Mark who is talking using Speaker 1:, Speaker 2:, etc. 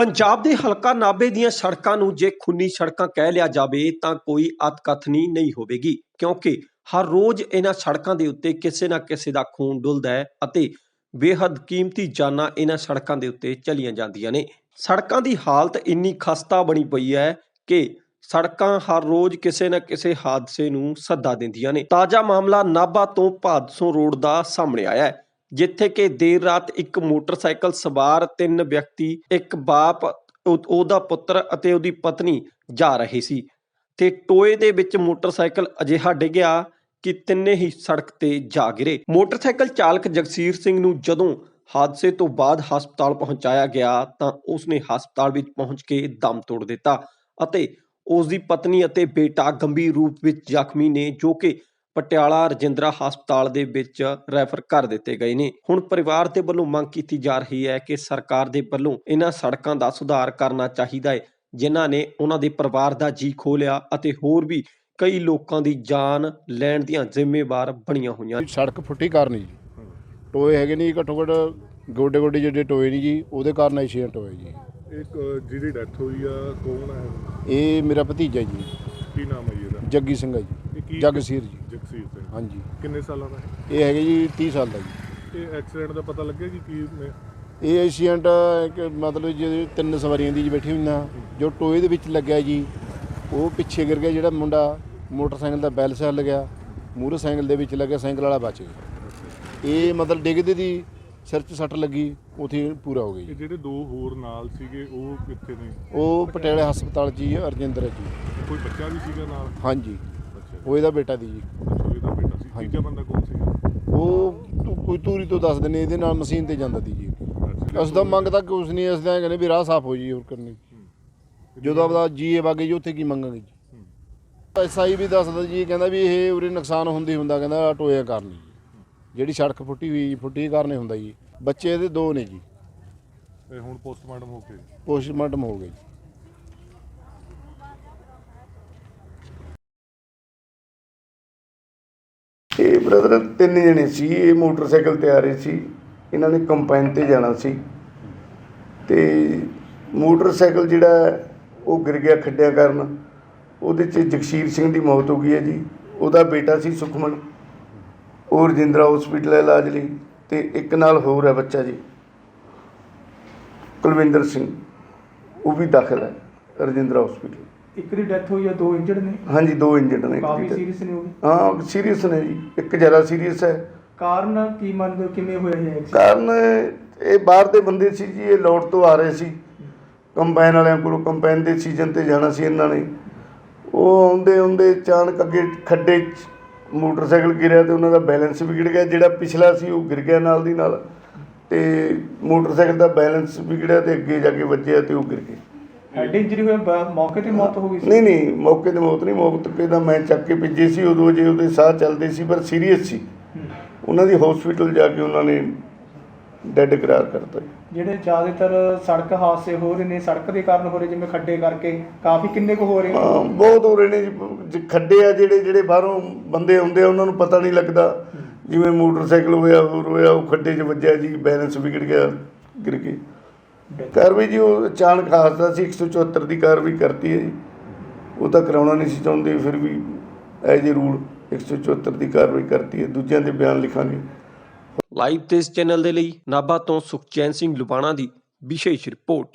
Speaker 1: ਪੰਜਾਬ ਦੇ ਹਲਕਾ ਨਾਭੇ ਦੀਆਂ ਸੜਕਾਂ ਨੂੰ ਜੇ ਖੂਨੀ ਸੜਕਾਂ ਕਹਿ ਲਿਆ ਜਾਵੇ ਤਾਂ ਕੋਈ ਅਤਕਥਨੀ ਨਹੀਂ ਹੋਵੇਗੀ, ਕਿਉਂਕਿ ਹਰ ਰੋਜ਼ ਇਹਨਾਂ ਸੜਕਾਂ ਦੇ ਉੱਤੇ ਕਿਸੇ ਨਾ ਕਿਸੇ ਦਾ ਖੂਨ ਡੁੱਲਦਾ ਹੈ ਅਤੇ ਬੇਹੱਦ ਕੀਮਤੀ ਜਾਨਾਂ ਇਹਨਾਂ ਸੜਕਾਂ ਦੇ ਉੱਤੇ ਚਲੀਆਂ ਜਾਂਦੀਆਂ ਨੇ। ਸੜਕਾਂ ਦੀ ਹਾਲਤ ਇੰਨੀ ਖਸਤਾ ਬਣੀ ਪਈ ਹੈ ਕਿ ਸੜਕਾਂ ਹਰ ਰੋਜ਼ ਕਿਸੇ ਨਾ ਕਿਸੇ ਹਾਦਸੇ ਨੂੰ ਸੱਦਾ ਦਿੰਦੀਆਂ ਨੇ। ਤਾਜ਼ਾ ਮਾਮਲਾ ਨਾਭਾ ਤੋਂ ਭਾਦਸੋਂ ਰੋਡ ਦਾ ਸਾਹਮਣੇ ਆਇਆ ਹੈ, ਜਿੱਥੇ ਕਿ ਦੇਰ ਰਾਤ ਇੱਕ ਮੋਟਰਸਾਈਕਲ ਸਵਾਰ 3 ਵਿਅਕਤੀ, ਇੱਕ ਬਾਪ, ਉਹਦਾ ਪੁੱਤਰ ਅਤੇ ਉਹਦੀ ਪਤਨੀ ਜਾ ਰਹੇ ਸੀ ਤੇ ਟੋਏ ਦੇ ਵਿੱਚ ਮੋਟਰਸਾਈਕਲ ਅਜਿਹਾ ਡਿੱਗਿਆ ਕਿ ਤਿੰਨੇ ਹੀ ਸੜਕ ਤੇ ਜਾ ਗਿਰੇ। ਮੋਟਰਸਾਈਕਲ ਚਾਲਕ ਜਗਸੀਰ ਸਿੰਘ ਨੂੰ ਜਦੋਂ ਹਾਦਸੇ ਤੋਂ ਬਾਅਦ ਹਸਪਤਾਲ ਪਹੁੰਚਾਇਆ ਗਿਆ ਤਾਂ ਉਸਨੇ ਹਸਪਤਾਲ ਵਿੱਚ ਪਹੁੰਚ ਕੇ ਦਮ ਤੋੜ ਦਿੱਤਾ ਅਤੇ ਉਸ ਦੀ ਪਤਨੀ ਅਤੇ ਬੇਟਾ ਗੰਭੀਰ ਰੂਪ ਵਿੱਚ ਜ਼ਖਮੀ ਨੇ, ਜੋ ਕਿ ਪਟਿਆਲਾ ਰਜਿੰਦਰਾ ਹਸਪਤਾਲ ਦੇ ਵਿੱਚ ਰੈਫਰ ਕਰ ਦਿੱਤੇ ਗਏ ਨੇ। ਹੁਣ ਪਰਿਵਾਰ ਦੇ ਵੱਲੋਂ ਮੰਗ ਕੀਤੀ ਜਾ ਰਹੀ ਹੈ ਕਿ ਸਰਕਾਰ ਦੇ ਵੱਲੋਂ ਇਹਨਾਂ ਸੜਕਾਂ ਦਾ ਸੁਧਾਰ ਕਰਨਾ ਚਾਹੀਦਾ ਹੈ, ਜਿਨ੍ਹਾਂ ਨੇ ਉਹਨਾਂ ਦੇ ਪਰਿਵਾਰ ਦਾ ਜੀ ਖੋਹ ਲਿਆ ਅਤੇ ਹੋਰ ਵੀ ਕਈ ਲੋਕਾਂ ਦੀ ਜਾਨ ਲੈਣ ਦੀਆਂ ਜ਼ਿੰਮੇਵਾਰ ਬਣੀਆਂ ਹੋਈਆਂ।
Speaker 2: ਸੜਕ ਫੁੱਟੀ ਕਾਰਨ ਜੀ ਟੋਏ ਹੈਗੇ ਨਹੀਂ, ਘੱਟੋ ਘੱਟ ਗੋਡੇ ਗੋਡੇ ਜਿਹੜੇ ਟੋਏ ਨਹੀਂ ਜੀ, ਉਹਦੇ ਕਾਰਨ ਐਕਸੀਡੈਂਟ ਹੋਇਆ ਜੀ।
Speaker 3: ਇੱਕ ਜਿਹਦੀ ਡੈਥ ਹੋਈ ਆ ਕੌਣ ਹੈ?
Speaker 2: ਇਹ ਮੇਰਾ ਭਤੀਜਾ ਜੀ।
Speaker 3: ਕੀ ਨਾਮ ਹੈ ਜੀ ਇਹਦਾ?
Speaker 2: ਜੱਗੀ ਸਿੰਘ ਹੈ ਜੀ। ਜਗਸੀਰ ਜੀ।
Speaker 3: ਜਗਸੀਰ ਸਿੰਘ।
Speaker 2: ਹਾਂਜੀ।
Speaker 3: ਕਿੰਨੇ ਸਾਲਾਂ ਦਾ ਹੈ?
Speaker 2: ਇਹ ਹੈਗੇ ਜੀ 30 ਸਾਲ ਦਾ ਜੀ।
Speaker 3: ਇਹ ਐਕਸੀਡੈਂਟ ਦਾ ਪਤਾ ਲੱਗਿਆ ਕਿ
Speaker 2: ਇਹ ਐਕਸੀਡੈਂਟ ਮਤਲਬ ਜਿਹੜੇ 3 ਸਵਾਰੀਆਂ ਦੀ ਜੀ ਬੈਠੀ ਹੋਈਆਂ, ਜੋ ਟੋਏ ਦੇ ਵਿੱਚ ਲੱਗਿਆ ਜੀ, ਉਹ ਪਿੱਛੇ ਗਿਰ ਗਿਆ। ਜਿਹੜਾ ਮੁੰਡਾ ਮੋਟਰਸਾਈਕਲ ਦਾ ਬੈਲ ਸਾਈਡ ਗਿਆ, ਮੂਹਰੇ ਸਾਈਕਲ ਦੇ ਵਿੱਚ ਲੱਗਿਆ, ਸਾਈਕਲ ਵਾਲਾ ਬਚ ਗਿਆ। ਇਹ ਮਤਲਬ ਡਿੱਗਦੇ ਦੀ ਸਿਰ 'ਚ ਸੱਟ ਲੱਗੀ, ਉੱਥੇ ਪੂਰਾ ਹੋ ਗਿਆ ਜੀ।
Speaker 3: ਜਿਹੜੇ 2 ਹੋਰ ਨਾਲ ਸੀਗੇ ਉਹ ਕਿੱਥੇ ਨੇ?
Speaker 2: ਉਹ ਪਟਿਆਲੇ ਹਸਪਤਾਲ 'ਚ ਜੀ, ਰਜਿੰਦਰ ਜੀ।
Speaker 3: ਕੋਈ ਬੱਚਾ ਵੀ ਸੀਗਾ ਨਾਲ?
Speaker 2: ਹਾਂਜੀ, ਉਹ ਇਹਦਾ ਬੇਟਾ ਦੀ ਜੀ।
Speaker 3: ਇਹਦਾ ਬੇਟਾ ਸੀ। ਤੀਜਾ ਬੰਦਾ ਕੌਣ ਸੀਗਾ?
Speaker 2: ਉਹ ਕੋਈ ਧੂਰੀ ਤੋਂ ਦੱਸ ਦਿੰਦੇ, ਇਹਦੇ ਨਾਲ ਮਸ਼ੀਨ ਤੇ ਜਾਂਦਾ ਸੀ ਜੀ। ਅਸੀਂ ਤਾਂ ਮੰਗ ਤਾਂ ਕੁਛ ਨਹੀਂ, ਅਸੀਂ ਤਾਂ ਕਹਿੰਦੇ ਵੀ ਰਾਹ ਸਾਫ਼ ਹੋ ਜੀ, ਹੋਰ ਕਰਨੀ। ਜਦੋਂ ਆਪਦਾ ਜੀਏ ਵਾਗੇ ਜੀ, ਉੱਥੇ ਕੀ ਮੰਗਾਂਗੇ ਜੀ। ਐਸਆਈ ਵੀ ਦੱਸਦਾ ਜੀ, ਕਹਿੰਦਾ ਵੀ ਇਹ ਉਰੇ ਨੁਕਸਾਨ ਹੁੰਦਾ, ਕਹਿੰਦਾ ਟੋਇਆ ਕਾਰਨ ਜਿਹੜੀ ਸੜਕ ਫੁੱਟੀ ਕਾਰਨ ਹੁੰਦਾ ਜੀ। ਬੱਚੇ ਇਹਦੇ 2 ਨੇ ਜੀ।
Speaker 3: ਹੁਣ ਪੋਸਟਮਾਰਟਮ ਹੋ ਗਿਆ?
Speaker 2: ਪੋਸਟਮਾਰਟਮ ਹੋ ਗਿਆ ਜੀ।
Speaker 4: ਇਹ ਬ੍ਰਦਰ 3 ਜਣੇ ਸੀ, ਇਹ ਮੋਟਰਸਾਈਕਲ ਤੇ ਆ ਰਹੇ ਸੀ। ਇਹਨਾਂ ਨੇ ਕੰਪਾਈਨ ਤੇ ਜਾਣਾ ਸੀ ਤੇ ਮੋਟਰਸਾਈਕਲ ਜਿਹੜਾ ਉਹ ਗਿਰ ਗਿਆ ਖੱਡਿਆਂ ਕਾਰਨ। ਉਹਦੇ 'ਚ ਜਗਸੀਰ ਸਿੰਘ ਦੀ ਮੌਤ ਹੋ ਗਈ ਹੈ ਜੀ। ਉਹਦਾ ਬੇਟਾ ਸੀ ਸੁਖਮਨ, ਉਹ ਰਜਿੰਦਰਾ ਹਸਪੀਟਲ ਇਲਾਜ ਲਈ, ਤੇ ਇੱਕ ਨਾਲ ਹੋਰ ਹੈ ਬੱਚਾ ਜੀ ਕੁਲਵਿੰਦਰ ਸਿੰਘ, ਉਹ ਵੀ ਦਾਖਲ ਹੈ ਰਜਿੰਦਰਾ ਹਸਪੀਟਲ।
Speaker 5: ਇੱਕ ਦੀ ਡੈਥ ਹੋਈ ਹੈ, 2 ਇੰਜਰਡ ਨੇ?
Speaker 4: ਹਾਂਜੀ, 2 ਇੰਜਰਡ ਨੇ।
Speaker 5: ਕਾਫੀ ਸੀਰੀਅਸ ਨੇ ਉਹ?
Speaker 4: ਹਾਂ, ਸੀਰੀਅਸ ਨੇ ਜੀ। ਇੱਕ ਜ਼ਿਆਦਾ ਸੀਰੀਅਸ ਹੈ।
Speaker 5: ਕਾਰਨ ਕੀ ਮੰਨਦੇ ਹੋ, ਕਿਵੇਂ ਹੋਇਆ ਇਹ ਐਕਸੀਡੈਂਟ?
Speaker 4: ਕਾਰਨ ਇਹ ਬਾਹਰ ਦੇ ਬੰਦੇ ਸੀ ਜੀ, ਇਹ ਲੋਡ ਤੋਂ ਆ ਰਹੇ ਸੀ ਕੰਬਾਈਨ ਵਾਲਿਆਂ ਕੋਲੋਂ। ਕੰਬਾਈਨ ਦੇ ਸੀਜ਼ਨ ਤੇ ਜਾਣਾ ਸੀ ਇਹਨਾਂ ਨੇ। ਉਹ ਆਉਂਦੇ ਅਚਾਨਕ ਅੱਗੇ ਖੱਡੇ 'ਚ ਮੋਟਰਸਾਈਕਲ ਗਿਰਿਆ ਤੇ ਉਹਨਾਂ ਦਾ ਬੈਲੈਂਸ ਵਿਗੜ ਗਿਆ। ਜਿਹੜਾ ਪਿਛਲਾ ਸੀ ਉਹ ਗਿਰ ਗਿਆ ਨਾਲ ਦੀ ਨਾਲ, ਤੇ ਮੋਟਰਸਾਈਕਲ ਦਾ ਬੈਲੈਂਸ ਵਿਗੜਿਆ ਤੇ ਅੱਗੇ ਜਾ ਕੇ ਵੱਜਿਆ ਤੇ ਉਹ ਗਿਰ ਗਏ।
Speaker 5: ਹੈਡ ਇੰਜਰੀ ਹੋਇਆ, ਮੌਕੇ ਤੇ ਮੌਤ ਹੋ ਗਈ ਸੀ?
Speaker 4: ਨਹੀਂ, ਮੌਕੇ ਤੇ ਮੌਤ ਨਹੀਂ। ਮੌਕੇ ਦਾ ਮੈਂ ਚੱਕ ਕੇ ਭੇਜੇ ਸੀ ਉਦੋਂ, ਜੇ ਉਹਦੇ ਸਾਹ ਚੱਲਦੇ ਸੀ ਪਰ ਸੀਰੀਅਸ ਸੀ। ਉਹਨਾਂ ਦੀ ਹਸਪੀਟਲ ਜਾ ਕੇ ਉਹਨਾਂ ਨੇ ਡੈਡ ਕਰਾਰ ਕਰਤਾ।
Speaker 5: ਜਿਹੜੇ ਜ਼ਿਆਦਾਤਰ ਸੜਕ ਹਾਦਸੇ ਹੋ ਰਹੇ ਨੇ, ਸੜਕ ਦੇ ਕਾਰਨ ਹੋ ਰਹੇ, ਜਿਵੇਂ ਖੱਡੇ ਕਰਕੇ ਕਾਫੀ, ਕਿੰਨੇ ਕੁ ਹੋ ਰਹੇ?
Speaker 4: ਹਾਂ, ਬਹੁਤ ਹੋ ਰਹੇ ਨੇ ਜੀ। ਖੱਡੇ ਆ ਜਿਹੜੇ ਬਾਹਰੋਂ ਬੰਦੇ ਆਉਂਦੇ ਆ, ਉਹਨਾਂ ਨੂੰ ਪਤਾ ਨਹੀਂ ਲੱਗਦਾ। ਜਿਵੇਂ ਮੋਟਰਸਾਈਕਲ ਹੋਇਆ, ਹੋਰ ਹੋਇਆ, ਉਹ ਖੱਡੇ 'ਚ ਵੱਜਿਆ ਜੀ, ਬੈਲੈਂਸ ਵਿਗੜ ਗਿਆ, ਗਿਰ ਕੇ। ਕਾਰਵਾਈ ਜੀ ਉਹ ਅਚਾਨਕ ਹਾਦਸਾ ਸੀ, 174 ਦੀ ਕਾਰਵਾਈ ਕਰਤੀ ਹੈ ਜੀ। ਉਹ ਤਾਂ ਕਰਾਉਣਾ ਨਹੀਂ ਸੀ ਚਾਹੁੰਦੇ, ਫਿਰ ਵੀ ਐਜ ਏ ਰੂਲ 174 ਦੀ ਕਾਰਵਾਈ ਕਰਤੀ ਹੈ। ਦੂਜਿਆਂ ਦੇ ਬਿਆਨ ਲਿਖਾਂਗੇ।
Speaker 1: ਲਾਈਵ ਤੇ ਇਸ ਚੈਨਲ ਦੇ ਲਈ ਨਾਭਾ ਤੋਂ ਸੁਖਚੈਨ ਸਿੰਘ ਲੁਬਾਣਾ ਦੀ ਵਿਸ਼ੇਸ਼ ਰਿਪੋਰਟ।